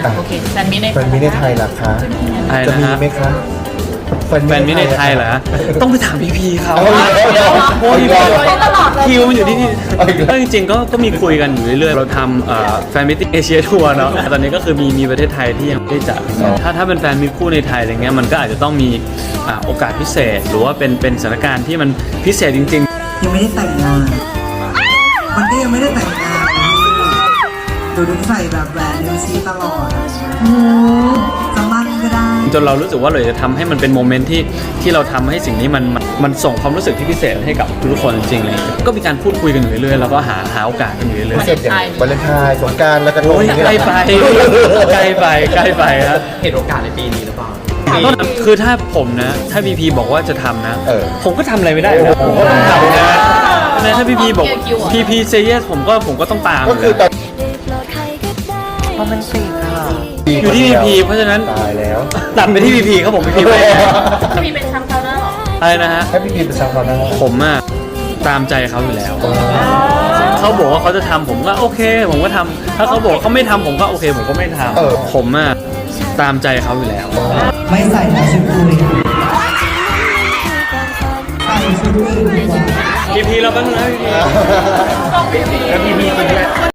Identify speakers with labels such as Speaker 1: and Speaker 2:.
Speaker 1: โอเคแฟนมิตรใน
Speaker 2: แฟนมิตรในไทยล่ะคะ
Speaker 3: อะไร
Speaker 2: จะ
Speaker 3: นะ
Speaker 2: มี
Speaker 3: ฮะ
Speaker 2: ไหมคะ
Speaker 3: แฟนมิตรในไทยเหรอต้องไปถามพีเขา
Speaker 2: โอ้ย
Speaker 1: ตลอดเลย
Speaker 3: คิวมันอยู่ที่นี่
Speaker 2: เอาอีกแล้ว
Speaker 3: ก็จริงๆก็มีคุยกันอยู่เรื่อยๆเราทำแฟนมิตรเอเชียทัวร์เนาะแต่ตอนนี้ก็คือมีประเทศไทยที่ยังไม่ได้จัดถ้าเป็นแฟนมิตรคู่ในไทยอะไรเงี้ยมันก็อาจจะต้องมีโอกาสพิเศษ หรือว่าเป็นสถานการณ์ที่มันพิเศษจริง ๆ
Speaker 4: ยังไม่ได้แต่งงาน มันก็ยังไม่ได้แต่งงานดูใส่แบบแหวนนิ้วชี้ตลอดจะมั่นก็ได้
Speaker 3: จนเรารู้สึกว่าเราจะทำให้มันเป็นโมเมนต์ที่เราทำให้สิ่งนี้มันส่งความรู้สึกที่พิเศษให้กับทุกคนจริงๆเลยก็มีการพูดคุยกันอยู่เรื่อยๆแล้วก็หาโอกาสกันอยู่เรื่อย
Speaker 2: พิเศษอย่างวาเลนไทน์สงกรานต์แล้วก็
Speaker 3: ๆโอ้ยใกล้ไปใกล้ไปครับ
Speaker 5: เห็นโอกาสในปีนี้หรือเปล่า
Speaker 3: คือถ้าผมนะถ้าพีพีบอกว่าจะทำนะ ผมก็ทำอะไรไม่ได้นะ
Speaker 2: โอ้
Speaker 3: ผม
Speaker 2: โห
Speaker 3: ก็ต้องทำนะถ้าพีพีบอกพีพีเซเยสผมก็ต้องตาม
Speaker 2: ก็คือตอน
Speaker 4: เพราะมันติดอ่ะ
Speaker 3: อยู่ที่พีพีเพราะฉะนั้น
Speaker 2: ตายแล้ว
Speaker 3: ตัดไปที่พีพีครับผมพีพีไป
Speaker 1: มีเป็นแชมป์เขาแล้วเหรอ
Speaker 3: อะไรนะฮะ
Speaker 2: ให้พี่พีเป็นชาวนา
Speaker 3: ผมอะตามใจเขาอยู่แล้ว เขาบอกว่าเขาจะทำผมก็โอเค ผมก็ทำถ้าเขาบอกเขาไม่ทำผมก็โอเค ผมก็ไม่ทำผมอะตามใจเขาอยู่แล้ว
Speaker 4: ไม่ใส่แล้วชุดคุยใส่ชุดอื่นดีกว่า
Speaker 3: พีพีเราบ้างนะพีพี
Speaker 1: ต้องพีพี
Speaker 2: แล้วพี่พีคนนี้